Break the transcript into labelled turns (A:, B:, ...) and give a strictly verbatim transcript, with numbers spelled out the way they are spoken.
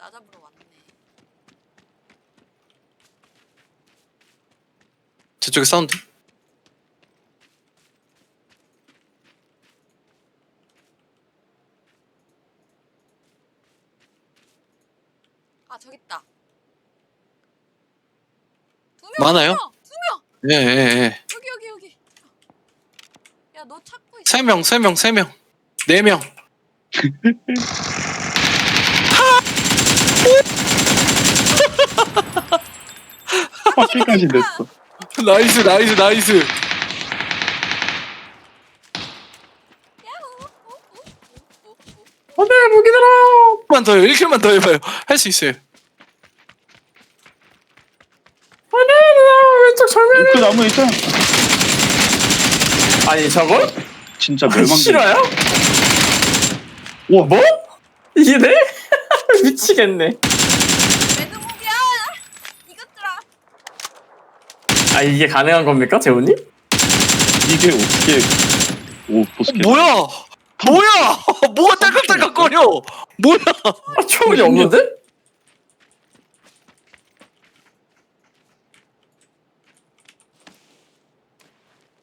A: 나 잡으러 왔네.
B: 저쪽에 사운드.
A: 아 저기 있다. 두 명.
B: 많아요?
A: 두 명.
B: 예, 예, 예.
A: 여기 여기 여기. 야 너 찾고 있어.
B: 세 명, 세 명, 세 명. 네 명.
C: 바퀴까지 냈어.
B: 나이스, 나이스, 나이스.
C: 안돼 무기들아.
B: 만 더요. 일 킬만 더 해봐요. 할 수 있어요.
C: 안돼 왼쪽 정면에. 그 나무 있잖아.
D: 아니 저걸?
C: 진짜 멸망.
D: 실화야?
C: 와 뭐?
D: 이게 돼? 미치겠네.
A: 매드무비야. 이것들아.
D: 아 이게 가능한 겁니까 재훈님?
C: 이게 어떻게? 오 보스켓.
B: 뭐야? 뭐야? 뭐가 딸깍딸깍거려? 뭐야?
D: 아 초월이 없는데?